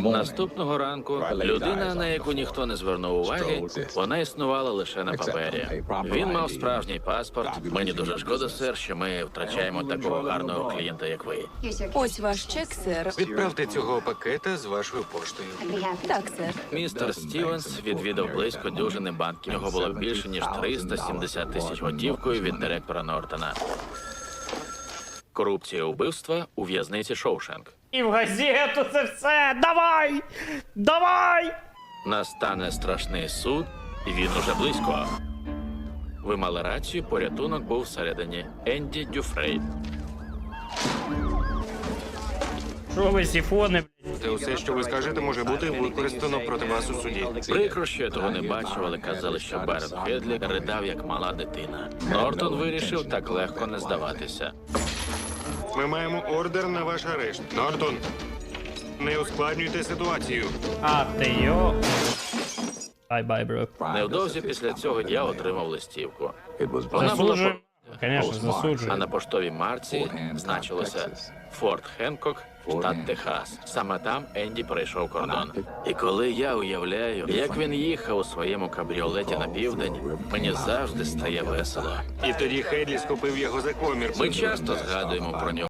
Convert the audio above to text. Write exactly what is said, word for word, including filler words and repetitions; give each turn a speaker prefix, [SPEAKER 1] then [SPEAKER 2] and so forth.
[SPEAKER 1] Наступного ранку людина, на яку ніхто не звернув уваги, вона існувала лише на папері. Він мав справжній паспорт. Мені дуже шкода, сер, що ми втрачаємо такого гарного клієнта, як ви.
[SPEAKER 2] Ось ваш чек, сер.
[SPEAKER 3] Відправте цього пакета з вашою поштою.
[SPEAKER 2] Так, сер.
[SPEAKER 1] Містер Стівенс відвідав близько дюжини банків. У нього було більше, ніж триста сімдесят тисяч готівкою від директора Нортона. Корупція, убивства у в'язниці Шоушенк.
[SPEAKER 4] І в газету це все! Давай! Давай!
[SPEAKER 1] Настане страшний суд, і він уже близько. Ви мали рацію, порятунок був всередині. Енді Дюфрей.
[SPEAKER 4] Що ви, сіфони, блядь?
[SPEAKER 3] Та усе, що ви скажете, може бути використано проти вас у суді.
[SPEAKER 1] Прикро, що я того не бачив, але казали, що Барет Хедлі ридав, як мала дитина. Нортон вирішив так легко не здаватися.
[SPEAKER 3] Ми маємо ордер на ваш арешт. Нортон, не ускладнюйте ситуацію.
[SPEAKER 4] А, ти йо. Бай-бай, бро.
[SPEAKER 1] Невдовзі після цього я отримав листівку. Вона була
[SPEAKER 4] Засуджуємо.
[SPEAKER 1] по...
[SPEAKER 4] Звісно,
[SPEAKER 1] а
[SPEAKER 4] засуджуємо.
[SPEAKER 1] на поштовій марці значилося Форт Хенкок, штат Техас. Саме там Енді перейшов кордон. І коли я уявляю, як він їхав у своєму кабріолеті на південь, мені завжди стає весело.
[SPEAKER 3] І тоді Хедлі схопив його за комір.
[SPEAKER 1] Ми часто згадуємо про нього.